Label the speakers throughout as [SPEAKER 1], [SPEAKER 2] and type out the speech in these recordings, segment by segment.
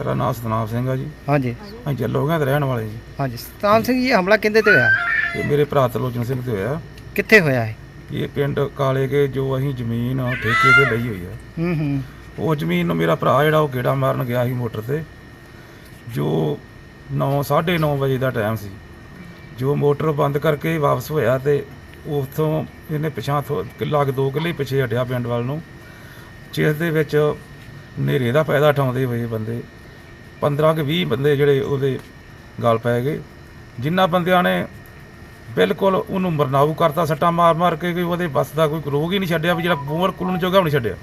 [SPEAKER 1] ਮੇਰਾ ਨਾਮ ਸਤਨਾਮ ਸਿੰਘ ਆ ਜੀ।
[SPEAKER 2] ਹਾਂਜੀ
[SPEAKER 1] ਅਸੀਂ ਜੱਲੋਗਿਆਂ ਦੇ ਰਹਿਣ ਵਾਲੇ ਜੀ।
[SPEAKER 2] ਹਾਂਜੀ ਸਤਨਾਮ ਸਿੰਘ ਜੀ, ਹਮਲਾ ਕਿਹਦੇ ਤੇ ਹੋਇਆ?
[SPEAKER 1] ਇਹ ਮੇਰੇ ਭਰਾ ਤਲੋਚਨ ਸਿੰਘ ਤੇ ਹੋਇਆ।
[SPEAKER 2] ਕਿੱਥੇ ਹੋਇਆ ਹੈ?
[SPEAKER 1] ਇਹ ਪਿੰਡ ਕਾਲੇ ਕੇ ਜੋ ਅਸੀਂ ਜ਼ਮੀਨ ਠੇਕੇ ਤੇ ਲਈ ਹੋਈ ਆ, ਉਹ ਜ਼ਮੀਨ ਨੂੰ ਮੇਰਾ ਭਰਾ ਜਿਹੜਾ ਉਹ ਗੇੜਾ ਮਾਰਨ ਗਿਆ ਸੀ ਮੋਟਰ ਤੇ। ਜੋ 9:30 ਵਜੇ ਦਾ ਟਾਈਮ ਸੀ, ਜੋ ਮੋਟਰ ਬੰਦ ਕਰਕੇ ਵਾਪਸ ਹੋਇਆ ਤੇ ਉੱਥੋਂ ਇਹਨੇ ਪਿਛਾਂ ਕਿੱਲਾ 2 ਕਿੱਲੇ ਪਿੱਛੇ ਹਟਿਆ ਪਿੰਡ ਵੱਲ ਨੂੰ, ਜਿਸ ਦੇ ਵਿੱਚ ਹਨੇਰੇ ਦਾ ਫਾਇਦਾ ਉਠਾਉਂਦੇ ਹੋਏ ਬੰਦੇ 15 ਕਿ 20 ਬੰਦੇ ਜਿਹੜੇ ਉਹਦੇ ਗਲ ਪੈ ਗਏ, ਜਿਨ੍ਹਾਂ ਬੰਦਿਆਂ ਨੇ ਬਿਲਕੁਲ ਉਹਨੂੰ ਮਰਨਾਊ ਕਰਤਾ ਸੱਟਾਂ ਮਾਰ ਮਾਰ ਕੇ। ਕਿ ਉਹਦੇ ਬੱਸ ਦਾ ਕੋਈ ਰੋਗ ਹੀ ਨਹੀਂ ਛੱਡਿਆ ਵੀ ਜਿਹੜਾ ਬੂਰ ਕੁਲਣ ਜੋਗਾ ਵੀ ਨਹੀਂ ਛੱਡਿਆ।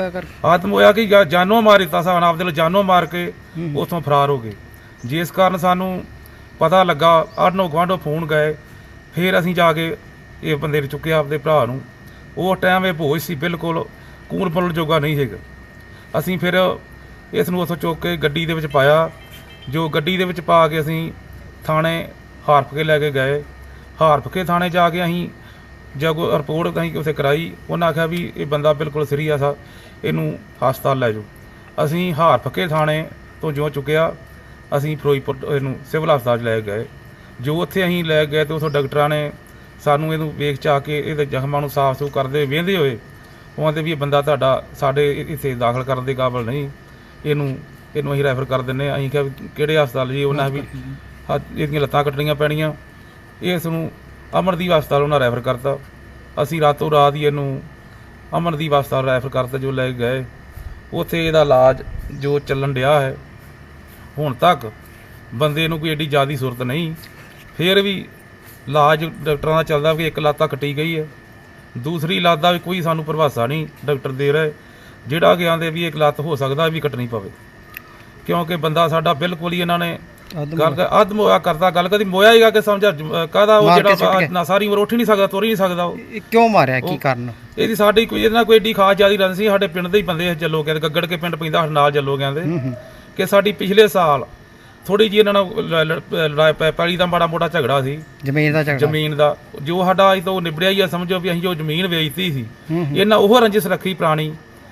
[SPEAKER 1] ਆਤਮ ਹੋਇਆ ਕਿ ਜਾਨੋਂ ਮਾਰ ਦਿੱਤਾ ਸਾਨ ਆਪਦੇ ਨੂੰ, ਜਾਨੋਂ ਮਾਰ ਕੇ ਉੱਥੋਂ ਫਰਾਰ ਹੋ ਗਏ। ਜਿਸ ਕਾਰਨ ਸਾਨੂੰ ਪਤਾ ਲੱਗਾ, ਆਢੋ ਗੁਆਂਢੋਂ ਫੋਨ ਗਏ, ਫਿਰ ਅਸੀਂ ਜਾ ਕੇ ਇਹ ਬੰਦੇ ਨੂੰ ਚੁੱਕਿਆ ਆਪਦੇ ਭਰਾ ਨੂੰ। ਉਹ ਟਾਈਮ ਇਹ ਭੋਜ ਸੀ, ਬਿਲਕੁਲ ਕੂਣ ਪਲਣ ਜੋਗਾ ਨਹੀਂ ਹੈਗਾ। ਅਸੀਂ ਫਿਰ ਇਸ ਨੂੰ ਉੱਥੋਂ ਚੁੱਕ ਕੇ ਗੱਡੀ ਦੇ ਵਿੱਚ ਪਾਇਆ। ਜੋ ਗੱਡੀ ਦੇ ਵਿੱਚ ਪਾ ਕੇ ਅਸੀਂ ਥਾਣੇ ਹਾਰਫਕੇ ਲੈ ਕੇ ਗਏ। ਹਾਰਫਕੇ ਥਾਣੇ ਜਾ ਕੇ ਅਸੀਂ ਜਦ ਰਿਪੋਰਟ ਅਸੀਂ ਉੱਥੇ ਕਰਾਈ, ਉਹਨਾਂ ਆਖਿਆ ਵੀ ਇਹ ਬੰਦਾ ਬਿਲਕੁਲ ਸੀਰੀਅਸ ਆ, ਇਹਨੂੰ ਹਸਪਤਾਲ ਲੈ ਜਾਓ। ਅਸੀਂ ਹਾਰਫਕੇ ਥਾਣੇ ਤੋਂ ਜੋ ਚੁੱਕਿਆ, ਅਸੀਂ ਫਿਰੋਜ਼ਪੁਰ ਇਹਨੂੰ ਸਿਵਲ ਹਸਪਤਾਲ 'ਚ ਲੈ ਕੇ ਗਏ। ਜੋ ਉੱਥੇ ਅਸੀਂ ਲੈ ਗਏ ਅਤੇ ਉੱਥੋਂ ਡਾਕਟਰਾਂ ਨੇ ਸਾਨੂੰ ਇਹਨੂੰ ਵੇਖ ਚਾ ਕੇ ਇਹਦੇ ਜ਼ਖਮਾਂ ਨੂੰ ਸਾਫ਼ ਸੂਫ ਕਰਦੇ ਵਹਿੰਦੇ ਹੋਏ ਉਹ ਕਹਿੰਦੇ ਵੀ ਇਹ ਬੰਦਾ ਤੁਹਾਡਾ ਸਾਡੇ ਇੱਥੇ ਦਾਖਲ ਕਰਨ ਦੇ ਕਾਬਲ ਨਹੀਂ, ਇਹਨੂੰ ਅਸੀਂ ਰੈਫਰ ਕਰ ਦਿੰਦੇ ਹਾਂ। ਅਸੀਂ ਕਿਹਾ ਵੀ ਕਿਹੜੇ ਹਸਪਤਾਲ ਜੀ? ਉਹਨਾਂ ਵੀ ਇਹਦੀਆਂ ਲੱਤਾਂ ਕੱਟਣੀਆਂ ਪੈਣੀਆਂ। ਇਸ ਨੂੰ ਅਮਰਦੀਪ ਹਸਪਤਾਲ ਉਹਨਾਂ ਰੈਫਰ ਕਰਤਾ। ਅਸੀਂ ਰਾਤੋਂ ਰਾਤ ਹੀ ਇਹਨੂੰ ਅਮਰਦੀਪ ਹਸਪਤਾਲ ਰੈਫਰ ਕਰਤਾ। ਜੋ ਲੈ ਕੇ ਗਏ ਉੱਥੇ ਇਹਦਾ ਇਲਾਜ ਜੋ ਚੱਲਣ ਡਿਆ ਹੈ, ਹੁਣ ਤੱਕ ਬੰਦੇ ਨੂੰ ਕੋਈ ਐਡੀ ਜ਼ਿਆਦਾ ਸੁਰਤ ਨਹੀਂ। ਫਿਰ ਵੀ ਇਲਾਜ ਡਾਕਟਰਾਂ ਦਾ ਚੱਲਦਾ ਵੀ ਇੱਕ ਲੱਤ ਕੱਟੀ ਗਈ ਹੈ, ਦੂਸਰੀ ਲੱਤ ਦਾ ਵੀ ਕੋਈ ਸਾਨੂੰ ਪ੍ਰਭਾਸ਼ਾ ਨਹੀਂ ਡਾਕਟਰ ਦੇ ਰਹੇ, ਜਿਹੜਾ ਕਿ ਆਂਦੇ ਵੀ ਇੱਕ ਲੱਤ ਹੋ ਸਕਦਾ ਵੀ ਕੱਟਣੀ ਪਵੇ, ਕਿਉਂਕਿ ਬੰਦਾ ਸਾਡਾ ਬਿਲਕੁਲ ਹੀ ਇਹਨਾਂ ਨੇ ਗੱਲ ਅੱਧ ਮੋਇਆ ਕਰਦਾ। ਗੱਲ ਕਦੀ ਮੋਇਆ ਹੀਗਾ ਕਿ ਸਮਝਾ ਕਾਹਦਾ ਉਹ ਜਿਹੜਾ ਨਾ ਸਾਰੀ ਉਮਰ ਉੱਠ ਹੀ ਨਹੀਂ ਸਕਦਾ, ਤੁਰ ਹੀ ਨਹੀਂ ਸਕਦਾ। ਉਹ
[SPEAKER 2] ਕਿਉਂ ਮਾਰਿਆ, ਕੀ ਕਾਰਨ?
[SPEAKER 1] ਇਹਦੀ ਸਾਡੀ ਕੋਈ ਇਹਦੇ ਨਾਲ ਕੋਈ ਐਡੀ ਖਾਸ ਜ਼ਿਆਦਾ ਰੰਜ ਸੀ। ਸਾਡੇ ਪਿੰਡ ਦੇ ਹੀ ਬੰਦੇ ਜੱਲੋ ਕਹਿੰਦੇ, ਗੱਗੜ ਕੇ ਪਿੰਡ ਪੈਂਦਾ ਨਾਲ ਜੱਲੋ ਕਹਿੰਦੇ, ਕਿ ਸਾਡੀ ਪਿਛਲੇ ਸਾਲ ਥੋੜ੍ਹੀ ਜਿਹੀ ਇਹਨਾਂ ਨਾਲ ਪੈਲੀ ਦਾ ਮਾੜਾ ਮੋਟਾ ਝਗੜਾ ਸੀ, ਜ਼ਮੀਨ ਦਾ ਜੋ ਸਾਡਾ ਅੱਜ ਤੋਂ ਨਿਬੜਿਆ ਹੀ ਆ। ਸਮਝੋ ਵੀ ਅਸੀਂ ਜੋ ਜ਼ਮੀਨ ਵੇਚਤੀ ਸੀ, ਇਹਨਾਂ ਉਹ ਰੰਜਿਸ਼ ਰੱਖੀ ਪੁਰਾਣੀ,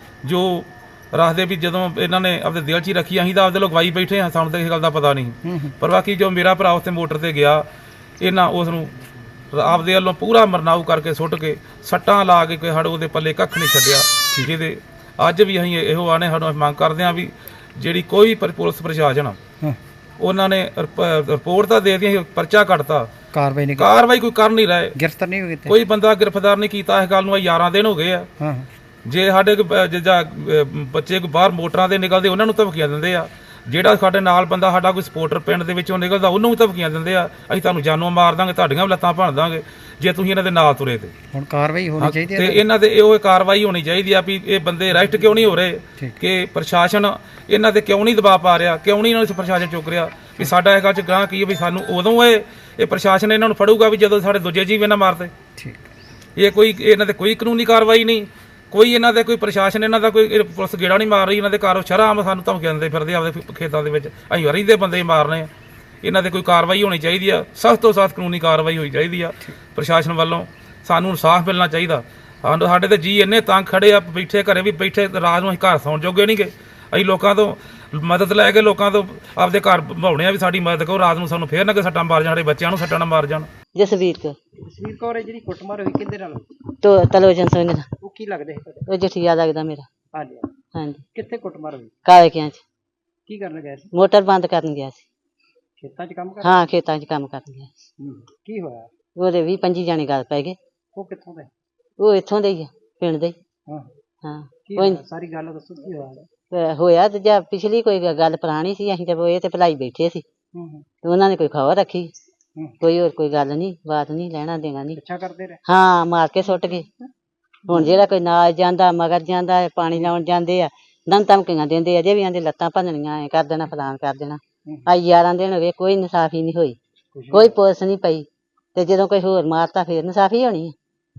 [SPEAKER 1] ਜੋ ਰੱਖਦੇ ਵੀ ਜਦੋਂ ਇਹਨਾਂ ਨੇ ਆਪਦੇ ਦਿਲ 'ਚ ਹੀ ਰੱਖੀ। ਅਸੀਂ ਤਾਂ ਆਪਦੇ ਲੋਕ ਗਵਾਈ ਬੈਠੇ ਹਾਂ, ਸਾਨੂੰ ਤਾਂ ਇਸ ਗੱਲ ਦਾ ਪਤਾ ਨਹੀਂ। ਪਰ ਬਾਕੀ ਜੋ ਮੇਰਾ ਭਰਾ ਉੱਥੇ ਮੋਟਰ ਤੇ ਗਿਆ, ਇਹਨਾਂ ਉਸ ਨੂੰ ਆਪਦੇ ਵੱਲੋਂ ਪੂਰਾ ਮਰਨਾਊ ਕਰਕੇ ਸੁੱਟ ਕੇ ਸੱਟਾਂ ਲਾ ਕੇ ਸਾਡੇ ਉਹਦੇ ਪੱਲੇ ਕੱਖ ਨਹੀਂ ਛੱਡਿਆ। ਜਿਹਦੇ ਅੱਜ ਵੀ ਅਸੀਂ ਇਹੋ ਆਨੇ ਸਾਨੂੰ ਮੰਗ ਕਰਦੇ ਹਾਂ ਵੀ ਜਿਹੜੀ ਕੋਈ ਪੁਲਿਸ ਪ੍ਰਸ਼ਾਸਨ ਉਹਨਾਂ ਨੇ ਰਿਪੋਰਟ ਤਾਂ ਦੇ ਦਿੱਤੀ, ਪਰਚਾ ਕੱਟਤਾ, ਕਾਰਵਾਈ ਕੋਈ ਕਰ ਨਹੀਂ ਰਹੇ,
[SPEAKER 2] ਗ੍ਰਿਫਤਾਰ ਨਹੀਂ ਹੋਏ,
[SPEAKER 1] ਕੋਈ ਬੰਦਾ ਗ੍ਰਿਫਤਾਰ ਨਹੀਂ ਕੀਤਾ। ਇਸ ਗੱਲ ਨੂੰ 11 ਦਿਨ ਹੋ ਗਏ ਆ। ਜੇ ਸਾਡੇ ਬੱਚੇ ਕੋਈ ਬਾਹਰ ਮੋਟਰਾਂ ਤੇ ਨਿਕਲਦੇ ਉਹਨਾਂ ਨੂੰ ਧਮਕੀਆਂ ਦਿੰਦੇ ਆ। ਜਿਹੜਾ ਸਾਡੇ ਨਾਲ ਬੰਦਾ ਸਾਡਾ ਕੋਈ ਸਪੋਰਟਰ ਪਿੰਡ ਦੇ ਵਿੱਚੋਂ ਨਿਕਲਦਾ ਉਹਨੂੰ ਵੀ ਧਮਕੀਆਂ ਦਿੰਦੇ ਆ, ਅਸੀਂ ਤੁਹਾਨੂੰ ਜਾਨੋਂ ਮਾਰ ਦਾਂਗੇ, ਤੁਹਾਡੀਆਂ ਵੀ ਲੱਤਾਂ ਭੰਨ ਦਾਂਗੇ ਜੇ ਤੁਸੀਂ ਇਹਨਾਂ ਦੇ ਨਾਲ ਤੁਰੇ। ਤੇ
[SPEAKER 2] ਹੁਣ ਕਾਰਵਾਈ ਹੋਣੀ ਚਾਹੀਦੀ ਹੈ,
[SPEAKER 1] ਤੇ ਇਹਨਾਂ ਦੇ ਇਹ ਕਾਰਵਾਈ ਹੋਣੀ ਚਾਹੀਦੀ ਆ ਵੀ ਇਹ ਬੰਦੇ ਅਰੈਸਟ ਕਿਉਂ ਨਹੀਂ ਹੋ ਰਹੇ, ਕਿ ਪ੍ਰਸ਼ਾਸਨ ਇਹਨਾਂ ਤੇ ਕਿਉਂ ਨਹੀਂ ਦਬਾਅ ਪਾ ਰਿਹਾ, ਕਿਉਂ ਨਹੀਂ ਇਹਨਾਂ ਨੂੰ ਪ੍ਰਸ਼ਾਸਨ ਚੁੱਕ ਰਿਹਾ। ਵੀ ਸਾਡਾ ਇਹ ਗੱਲ 'ਚ ਗਾਂ ਕੀ ਵੀ ਸਾਨੂੰ ਉਦੋਂ ਇਹ ਪ੍ਰਸ਼ਾਸਨ ਇਹਨਾਂ ਨੂੰ ਫੜੂਗਾ ਵੀ ਜਦੋਂ ਸਾਡੇ ਦੂਜੇ ਜੀਵ ਇਹਨਾਂ ਮਾਰਦੇ। ਇਹ ਕੋਈ ਇਹਨਾਂ ਤੇ ਕੋਈ ਕਾਨੂੰਨੀ ਕਾਰਵਾਈ ਨਹੀਂ, ਕੋਈ ਇਹਨਾਂ ਦੇ ਕੋਈ ਪ੍ਰਸ਼ਾਸਨ ਇਹਨਾਂ ਦਾ ਕੋਈ ਪੁਲਿਸ ਗੇੜਾ ਨਹੀਂ ਮਾਰ ਰਹੀ। ਇਹਨਾਂ ਦੇ ਘਰ ਸ਼ਰ੍ਹਾਮ ਸਾਨੂੰ ਧਮਕੀਆਂ ਦਿੰਦੇ ਫਿਰਦੇ ਆਪਦੇ ਖੇਤਾਂ ਦੇ ਵਿੱਚ, ਅਸੀਂ ਰਹਿੰਦੇ ਬੰਦੇ ਮਾਰਨੇ ਆ। ਇਹਨਾਂ ਤੇ ਕੋਈ ਕਾਰਵਾਈ ਹੋਣੀ ਚਾਹੀਦੀ ਆ, ਸਖਤ ਤੋਂ ਸਖਤ ਕਾਨੂੰਨੀ ਕਾਰਵਾਈ ਹੋਣੀ ਚਾਹੀਦੀ ਆ ਪ੍ਰਸ਼ਾਸਨ ਵੱਲੋਂ। ਸਾਨੂੰ ਇਨਸਾਫ ਮਿਲਣਾ ਚਾਹੀਦਾ। ਸਾਡੇ ਤੇ ਜੀ ਇੰਨੇ ਤੰਗ ਖੜੇ ਆ, ਬੈਠੇ ਘਰੇ ਵੀ ਬੈਠੇ, ਰਾਤ ਨੂੰ ਅਸੀਂ ਘਰ ਸੌਣ ਜੋਗੇ ਨਹੀਂ ਗਏ। ਅਸੀਂ ਲੋਕਾਂ ਤੋਂ ਮਦਦ ਲੈ ਕੇ ਲੋਕਾਂ ਤੋਂ ਆਪਦੇ ਘਰ ਬਣਾਉਣੇ ਆ ਵੀ ਸਾਡੀ ਮਦਦ ਕਰੋ, ਰਾਤ ਨੂੰ ਸਾਨੂੰ ਫੇਰ ਨਾ ਕਿ ਸੱਟਾਂ ਮਾਰ ਜਾਣ, ਸਾਡੇ ਬੱਚਿਆਂ ਨੂੰ ਸੱਟਾਂ ਨਾ ਮਾਰ ਜਾਣ।
[SPEAKER 3] ਜਸਵੀਰ
[SPEAKER 2] ਕੌਰ ਜਿਹੜੀ ਕੁੱਟਮਾਰ ਹੋਈ ਕਿਹਦੇ ਨਾਲ?
[SPEAKER 3] ਤਲੋਚਨ ਸਿੰਘ ਨਾਲ।
[SPEAKER 2] ਉਹ ਕੀ ਲੱਗਦਾ ਹੈ?
[SPEAKER 3] ਉਹ ਜਠੀਆ ਲੱਗਦਾ ਮੇਰਾ।
[SPEAKER 2] ਹਾਂਜੀ
[SPEAKER 3] ਹਾਂਜੀ।
[SPEAKER 2] ਕਿੱਥੇ ਕੁੱਟਮਾਰ ਹੋਈ?
[SPEAKER 3] ਕਾਲੇ ਕਿਆਂ ਚ।
[SPEAKER 2] ਕੀ ਕਰਨ ਗਿਆ ਸੀ?
[SPEAKER 3] ਮੋਟਰ ਬੰਦ ਕਰਨ ਗਿਆ ਸੀ।
[SPEAKER 2] ਖੇਤਾਂ 'ਚ ਕੰਮ ਕਰ?
[SPEAKER 3] ਹਾਂ, ਖੇਤਾਂ 'ਚ ਕੰਮ ਕਰਨ ਗਿਆ ਸੀ।
[SPEAKER 2] ਕੀ ਹੋਇਆ?
[SPEAKER 3] ਉਹਦੇ 20-25 ਜਾਣੇ ਗੱਲ ਪੈ ਗਏ।
[SPEAKER 2] ਉਹ ਕਿੱਥੋਂ ਦੇ?
[SPEAKER 3] ਉਹ ਇੱਥੋਂ ਦੇ ਹੀ ਆ, ਪਿੰਡ ਦੇ।
[SPEAKER 2] ਹਾਂ ਕੀ ਸਾਰੀ ਗੱਲ ਦੱਸੋ, ਕੀ ਹੋਇਆ?
[SPEAKER 3] ਹੋਇਆ ਤੇ ਜਾਂ ਪਿਛਲੀ ਕੋਈ ਗੱਲ ਪੁਰਾਣੀ ਸੀ, ਅਸੀਂ ਤੇ ਇਹ ਤੇ ਭਲਾਈ ਬੈਠੇ ਸੀ ਤੇ ਉਹਨਾਂ ਨੇ ਕੋਈ ਖਬਰ ਰੱਖੀ, ਕੋਈ ਹੋਰ ਕੋਈ ਗੱਲ ਨਹੀਂ, ਬਾਤ ਨਹੀਂ, ਲੈਣਾ ਦੇਣਾ ਨਹੀਂ।
[SPEAKER 2] ਪਿੱਛਾ ਕਰਦੇ ਰਹੇ?
[SPEAKER 3] ਹਾਂ, ਮਾਰ ਕੇ ਸੁੱਟ ਗਏ। ਹੁਣ ਜਿਹੜਾ ਕੋਈ ਨਾਲ ਜਾਂਦਾ, ਮਗਰ ਜਾਂਦਾ, ਪਾਣੀ ਲਾਉਣ ਜਾਂਦੇ ਆ, ਦਮ ਧਮਕੀਆਂ ਦਿੰਦੇ ਆ, ਜੇ ਵੀ ਆਂਦੇ ਲੱਤਾਂ ਭੰਨਣੀਆਂ, ਐ ਕਰ ਦੇਣਾ, ਫਲਾਨ ਕਰ ਦੇਣਾ। ਅੱਜ 11 ਦਿਨ ਹੋ ਗਏ, ਕੋਈ ਇਨਸਾਫੀ ਨਹੀਂ ਹੋਈ, ਕੋਈ ਪੁਲਿਸ ਨਹੀਂ ਪਈ। ਤੇ ਜਦੋਂ ਕੋਈ ਹੋਰ ਮਾਰਤਾ ਫੇਰ ਇਨਸਾਫੀ ਹੋਣੀ ਹੈ।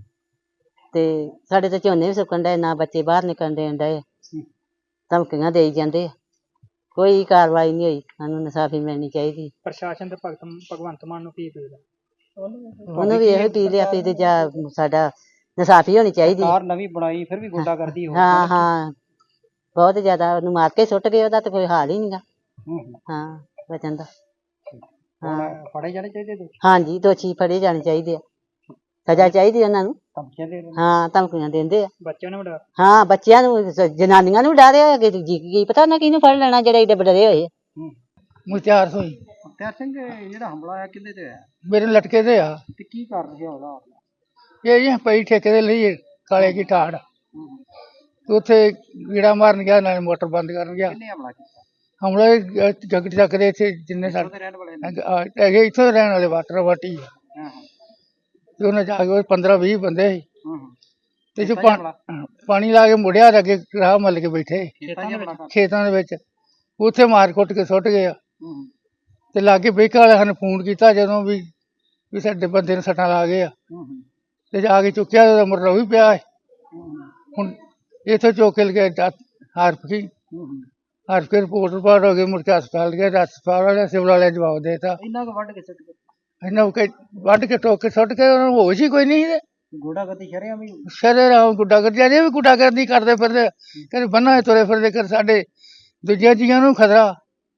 [SPEAKER 3] ਤੇ ਸਾਡੇ ਤੇ ਝੋਨੇ ਵੀ ਸੁੱਕਣ ਡਏ, ਨਾ ਬੱਚੇ ਬਾਹਰ ਨਿਕਲਣ ਦੇਣ ਡਏ, ਧਮਕੀਆਂ ਦੇਈ ਜਾਂਦੇ ਆ, ਕੋਈ ਕਾਰਵਾਈ ਨਹੀਂ ਹੋਈ। ਸਾਨੂੰ ਇਨਸਾਫੀ ਮਿਲਣੀ ਚਾਹੀਦੀ।
[SPEAKER 2] ਪ੍ਰਸ਼ਾਸਨ ਤੇ ਭਗਵੰਤ ਮਾਨ ਨੂੰ ਕੀ ਅਪੀਲ?
[SPEAKER 3] ਉਹਨੂੰ ਵੀ ਇਹੋ ਅਪੀਲ ਆ ਵੀ ਜਾਂ ਸਾਡਾ ਇਨਸਾਫੀ ਹੋਣੀ ਚਾਹੀਦੀ।
[SPEAKER 2] ਸਰਕਾਰ ਨਵੀਂ ਬਣਾਈ, ਫਿਰ ਵੀ ਗੁੰਡਾਗਰਦੀ ਹੋ।
[SPEAKER 3] ਹਾਂ, ਬਹੁਤ ਜ਼ਿਆਦਾ। ਉਹਨੂੰ ਮਾਰ ਕੇ ਸੁੱਟ ਗਏ, ਉਹਦਾ ਤੇ ਕੋਈ ਹਾਲ ਹੀ ਨਹੀਂਗਾ। ਹਾਂ ਬਚਣ ਦਾ।
[SPEAKER 2] ਹੁਣ ਫੜੇ ਜਾਣੇ ਚਾਹੀਦੇ ਦੋਸ਼ੀ?
[SPEAKER 3] ਹਾਂਜੀ ਦੋਸ਼ੀ ਫੜੇ ਜਾਣੇ ਚਾਹੀਦੇ ਆ, ਸਜ਼ਾ ਚਾਹੀਦੀ ਉਹਨਾਂ ਨੂੰ।
[SPEAKER 2] ਧਮਕੀਆਂ ਦੇ ਰਹੇ ਨੇ?
[SPEAKER 3] ਹਾਂ ਧਮਕੀਆਂ ਦਿੰਦੇ ਆ।
[SPEAKER 2] ਬੱਚਿਆਂ ਨੂੰ ਡਰ?
[SPEAKER 3] ਹਾਂ ਬੱਚਿਆਂ ਨੂੰ ਜਨਾਨੀਆਂ ਨੂੰ ਡਰ ਆ, ਅੱਗੇ ਜੀ ਕੀ ਪਤਾ ਨਾ ਕਿਹਨੂੰ ਫੜ ਲੈਣਾ ਜਿਹੜੇ ਏਡੇ ਡਰੇ ਹੋਏ ਆ।
[SPEAKER 4] ਮੁਖਤਿਆਰ ਸਿੰਘ।
[SPEAKER 2] ਮੁਖਤਿਆਰ ਸਿੰਘ, ਜਿਹੜਾ ਹਮਲਾ ਹੋਇਆ ਕਿਹਦੇ ਤੇ ਹੋਇਆ
[SPEAKER 4] ਮੇਰੇ ਲਟਕੇ ਤੇ ਆ।
[SPEAKER 2] ਤੇ ਕੀ ਕਾਰਨ ਸੀ ਹਮਲਾ?
[SPEAKER 4] ਇਹ ਜੀ ਪਈ ਠੇਕੇ ਦੇ ਲਈ ਕਾਲੇ ਕੀ ਠਾੜ, ਉੱਥੇ ਗੀੜਾ ਮਾਰਨ ਗਿਆ, ਨਾਲੇ ਮੋਟਰ ਬੰਦ ਕਰਨ ਗਿਆ।
[SPEAKER 2] ਕਿਹਨੇ ਹਮਲਾ ਕੀਤਾ?
[SPEAKER 4] ਹਮਲਾ ਜਗਟ ਚੱਕ ਦੇ ਇੱਥੇ ਜਿੰਨੇ
[SPEAKER 2] ਉਹਦੇ
[SPEAKER 4] ਸਾਡੇ
[SPEAKER 2] ਰਹਿਣ ਵਾਲੇ ਨੇ?
[SPEAKER 4] ਹੈਗੇ ਇੱਥੋਂ ਦੇ ਰਹਿਣ ਵਾਲੇ ਵਾਟਰ ਵਾਟੀ ਆ।
[SPEAKER 2] ਹਾਂ
[SPEAKER 4] ਤੇ ਉਹਨੇ ਜਾ ਕੇ 15-20 ਬੰਦੇ ਸੀ
[SPEAKER 2] ਹਾਂ।
[SPEAKER 4] ਤੇ ਜੋ
[SPEAKER 2] ਖੇਤਾਂ 'ਚ ਹਮਲਾ?
[SPEAKER 4] ਪਾਣੀ ਲਾ ਕੇ ਮੁੜਿਆ ਤੇ ਅੱਗੇ ਰਾਹ ਮੱਲ ਕੇ ਬੈਠੇ
[SPEAKER 2] ਖੇਤਾਂ 'ਚ ਹਮਲਾ ਕਰ?
[SPEAKER 4] ਖੇਤਾਂ ਦੇ ਵਿੱਚ, ਉੱਥੇ ਮਾਰ ਕੁੱਟ ਕੇ ਸੁੱਟ ਗਏ ਆ।
[SPEAKER 2] ਹੂੰ।
[SPEAKER 4] ਤੇ ਲਾਗੇ ਬੈਂਕ ਵਾਲੇ ਸਾਨੂੰ ਫੋਨ ਕੀਤਾ ਜਦੋਂ ਵੀ ਸਾਡੇ ਬੰਦੇ ਨੂੰ ਸੱਟਾਂ ਲਾ ਗਏ ਆ।
[SPEAKER 2] ਹੂੰ।
[SPEAKER 4] ਤੇ ਜਾ ਕੇ ਚੁੱਕਿਆ ਤੇ ਮੁਰਲਾ ਵੀ ਪਿਆ ਹੈ।
[SPEAKER 2] ਹੂੰ।
[SPEAKER 4] ਹੁਣ ਇੱਥੋਂ ਚੁੱਕ ਕੇ ਲਗੇ ਹਰਫ ਕੀ
[SPEAKER 2] ਹੂੰ।
[SPEAKER 4] ਹਰਫ ਕੇ ਰਿਪੋਰਟ ਰਿਪਾਰਟ ਹੋ ਗਈ, ਮੁੜ ਕੇ ਹਸਪਤਾਲ ਗਏ, ਹਸਪਤਾਲ ਵਾਲੇ ਸਿਵਲ ਵਾਲੇ ਜਵਾਬ ਦੇਤਾ।
[SPEAKER 2] ਇੰਨਾ ਕੁ ਵੱਢ ਕੇ ਸੁੱਟ ਗਏ?
[SPEAKER 4] ਇਹਨਾਂ ਕੇ ਵੱਢ ਕੇ ਟੋਕ ਕੇ ਸੁੱਟ ਕੇ ਉਹਨਾਂ ਨੂੰ ਹੋਸ਼ ਹੀ ਕੋਈ ਨਹੀਂ ਸੀ।
[SPEAKER 2] ਗੋਡਾਗਰਦੀ ਸ਼ਰੇਆਮ ਵੀ?
[SPEAKER 4] ਸ਼ਰੇਆਮ ਗੁੱਡਾਗਰਦੀ, ਅਜੇ ਵੀ ਗੁੱਡਾਗਰਦੀ ਕਰਦੇ ਫਿਰਦੇ, ਕਦੇ ਬੰਨਾ ਤੁਰੇ ਫਿਰਦੇ, ਕਰ ਸਾਡੇ ਦੂਜੇ ਜੀਆਂ ਨੂੰ ਖਤਰਾ।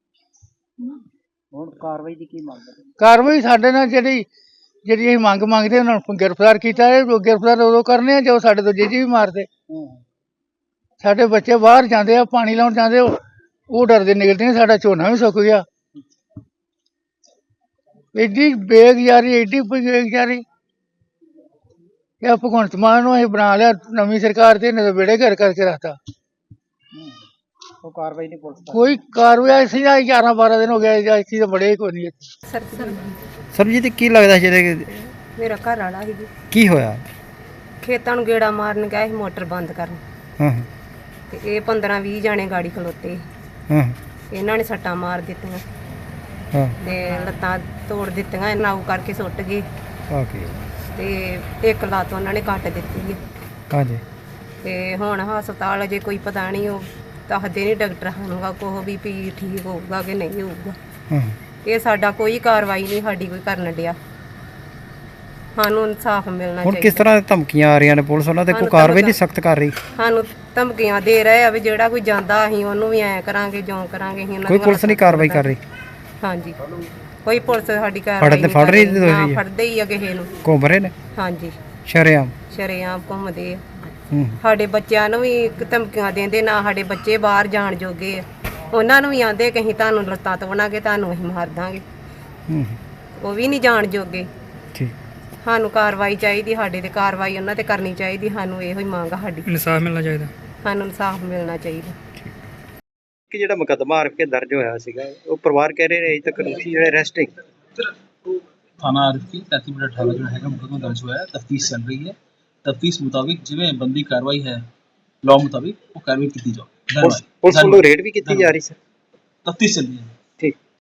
[SPEAKER 2] ਹੁਣ ਕਾਰਵਾਈ ਦੀ ਕੀ ਮੰਗ ਹੈ?
[SPEAKER 4] ਕਾਰਵਾਈ ਸਾਡੇ ਨਾਲ ਜਿਹੜੀ ਅਸੀਂ ਮੰਗ ਮੰਗਦੇ ਉਹਨਾਂ ਨੂੰ ਗ੍ਰਿਫਤਾਰ ਕੀਤਾ ਹੈ। ਗ੍ਰਿਫਤਾਰ ਉਦੋਂ ਕਰਨੇ ਆ ਜੋ ਸਾਡੇ ਦੂਜੇ ਜੀ ਵੀ ਮਾਰਦੇ। ਸਾਡੇ ਬੱਚੇ ਬਾਹਰ ਜਾਂਦੇ ਆ, ਪਾਣੀ ਲਾਉਣ ਜਾਂਦੇ, ਉਹ ਡਰਦੇ ਨਿਕਲਦੇ ਨੇ। ਸਾਡਾ ਝੋਨਾ ਵੀ ਸੁੱਕ ਗਿਆ। ਐਡੀ ਬੇਗੁਜ਼ਾਰੀ, ਐਡੀ ਬੇਗੁਜ਼ਾਰੀ। ਇਹ ਭਗਵੰਤ ਮਾਨ ਨੂੰ ਅਸੀਂ ਬਣਾ ਲਿਆ ਨਵੀਂ ਸਰਕਾਰ ਤੇ, ਇਹਨੇ ਤਾਂ ਵਿਹੜੇ ਘਰ ਕਰਕੇ ਰੱਖਤਾ।
[SPEAKER 2] ਉਹ ਕਾਰਵਾਈ ਨਹੀਂ ਪੁਲਿਸ ਦੀ?
[SPEAKER 4] ਕੋਈ ਕਾਰਵਾਈ ਸੀ ਨਾ, 11-12 ਦਿਨ ਹੋ ਗਏ, ਅਸੀਂ ਤਾਂ ਬੜੇ ਕੋਈ ਨਹੀਂ।
[SPEAKER 5] ਸਰਬਜੀਤ ਕੀ ਲੱਗਦਾ ਜਿਹੜੇ
[SPEAKER 6] ਮੇਰਾ ਘਰ ਵਾਲਾ ਸੀ ਜੀ,
[SPEAKER 5] ਕੀ ਹੋਇਆ?
[SPEAKER 6] ਖੇਤਾਂ ਨੂੰ ਗੇੜਾ ਮਾਰਨ ਗਿਆ ਸੀ ਮੋਟਰ ਬੰਦ ਕਰਨ,
[SPEAKER 5] ਹਾਂ
[SPEAKER 6] ਤੇ ਇਹ 15-20 ਜਾਣੇ ਗਾੜੀ ਖਲੋਤੇ ਸੀ।
[SPEAKER 5] ਹਾਂ
[SPEAKER 6] ਇਹਨਾਂ ਨੇ ਸੱਟਾਂ ਮਾਰ ਦਿੱਤੀਆਂ
[SPEAKER 5] ਹਾਂ
[SPEAKER 6] ਤੇ ਲੱਤਾਂ ਤੋੜ ਦਿੱਤੀਆਂ, ਨਾਊ ਕਰਕੇ ਸੁੱਟ ਗਏ
[SPEAKER 5] ਓਕੇ
[SPEAKER 6] ਤੇ ਇੱਕ ਲੱਤ ਉਹਨਾਂ ਨੇ ਕੱਟ ਦਿੱਤੀ ਹੈ।
[SPEAKER 5] ਹਾਂਜੀ
[SPEAKER 6] ਤੇ ਹੁਣ ਹਸਪਤਾਲ ਅਜੇ ਕੋਈ ਪਤਾ ਨਹੀਂ, ਉਹ ਦੱਸਦੇ ਨਹੀਂ ਡਾਕਟਰ ਸਾਨੂੰ ਕੋਹ ਵੀ ਠੀਕ ਹੋਊਗਾ ਕਿ ਨਹੀਂ ਹੋਊਗਾ।
[SPEAKER 5] ਹਾਂ
[SPEAKER 6] ਇਹ ਸਾਡਾ ਕੋਈ ਕਾਰਵਾਈ ਨਹੀਂ ਸਾਡੀ ਕੋਈ ਕਰਨ ਡਿਆ, ਸਾਨੂੰ ਇਨਸਾਫ ਮਿਲਣਾ
[SPEAKER 5] ਹੁਣ ਕਿਸ
[SPEAKER 6] ਚਾਹੀਦਾ।
[SPEAKER 5] ਤਰ੍ਹਾਂ ਧਮਕੀਆਂ ਆ ਰਹੀਆਂ ਨੇ, ਪੁਲਿਸ ਉਹਨਾਂ ਤੇ ਕੋਈ ਕਾਰਵਾਈ ਨਹੀਂ ਸਖਤ ਕਰ ਰਹੀ?
[SPEAKER 6] ਸਾਨੂੰ ਧਮਕੀਆਂ ਦੇ ਰਹੇ ਆ ਵੀ ਜਿਹੜਾ ਕੋਈ ਜਾਂਦਾ ਅਸੀਂ ਉਹਨੂੰ ਵੀ ਐਂ ਕਰਾਂਗੇ, ਜਿਉਂ ਕਰਾਂਗੇ। ਅਸੀਂ ਉਹਨਾਂ
[SPEAKER 5] ਕੋਈ
[SPEAKER 6] ਦੀਆਂ
[SPEAKER 5] ਪੁਲਿਸ ਨਹੀਂ ਕਾਰਵਾਈ ਕਰ ਰਹੀ?
[SPEAKER 6] ਹਾਂਜੀ ਕੋਈ ਪੁਲਿਸ ਸਾਡੀ ਕਾਰਵਾਈ
[SPEAKER 5] ਫੜਨ ਤੇ
[SPEAKER 6] ਨਹੀਂ
[SPEAKER 5] ਫੜ ਰਹੀ
[SPEAKER 6] ਕਰ
[SPEAKER 5] ਦੋਸ਼ੀ
[SPEAKER 6] ਨਾ
[SPEAKER 5] ਹੈ?
[SPEAKER 6] ਫੜਦੇ ਹੀ ਆ ਕਿਸੇ ਨੂੰ।
[SPEAKER 5] ਘੁੰਮ ਰਹੇ ਨੇ
[SPEAKER 6] ਹਾਂਜੀ
[SPEAKER 5] ਸ਼ਰੇਆਮ?
[SPEAKER 6] ਸ਼ਰੇਆਮ ਘੁੰਮਦੇ ਆ।
[SPEAKER 5] ਹੂੰ
[SPEAKER 6] ਸਾਡੇ ਬੱਚਿਆਂ ਨੂੰ ਵੀ ਧਮਕੀਆਂ ਦਿੰਦੇ, ਨਾ ਸਾਡੇ ਬੱਚੇ ਬਾਹਰ ਜਾਣ ਜੋਗੇ ਆ। ਉਹਨਾਂ ਨੂੰ ਵੀ ਆਂਦੇ ਕਿ ਅਸੀਂ ਤੁਹਾਨੂੰ ਲੱਤਾਂ ਤੋੜਾਂਗੇ, ਤੁਹਾਨੂੰ ਅਸੀਂ ਮਾਰ ਦਾਂਗੇ।
[SPEAKER 5] ਹੂੰ
[SPEAKER 6] ਉਹ ਵੀ ਨਹੀਂ ਜਾਣ ਜੋਗੇ।
[SPEAKER 5] ਠੀਕ।
[SPEAKER 6] ਸਾਨੂੰ ਕਾਰਵਾਈ ਚਾਹੀਦੀ, ਸਾਡੇ ਤੇ ਕਾਰਵਾਈ ਉਹਨਾਂ ਤੇ ਕਰਨੀ ਚਾਹੀਦੀ। ਸਾਨੂੰ ਇਹੋ ਹੀ ਮੰਗ ਆ ਸਾਡੀ,
[SPEAKER 5] ਇਨਸਾਫ ਮਿਲਣਾ ਚਾਹੀਦਾ।
[SPEAKER 6] ਸਾਨੂੰ ਇਨਸਾਫ ਮਿਲਣਾ ਚਾਹੀਦਾ।
[SPEAKER 7] ਕਿ ਜਿਹੜਾ ਮੁਕੱਦਮਾ ਆਰ ਕੇ ਦਰਜ ਹੋਇਆ ਸੀਗਾ, ਉਹ ਪਰਿਵਾਰ ਕਹਿ ਰਹੇ ਨੇ ਅਜੇ ਤੱਕ ਦੋਸ਼ੀ ਜਿਹੜੇ ਅਰੈਸਟਿੰਗ।
[SPEAKER 8] थाना आरफी 33/18 जो है मुकदमा दर्ज हुआ है, तफ्तीश चल रही है। तफ्तीश मुताबिक जिवें बंदी कार्रवाई है लॉ मुताबिक वो कार्रवाई की जाओ।
[SPEAKER 7] ਪੁਲਿਸ ਵੱਲੋਂ ਰੇਡ ਵੀ ਕੀਤੀ ਜਾ ਰਹੀ ਸਰ?
[SPEAKER 8] तफ्तीश चल रही है।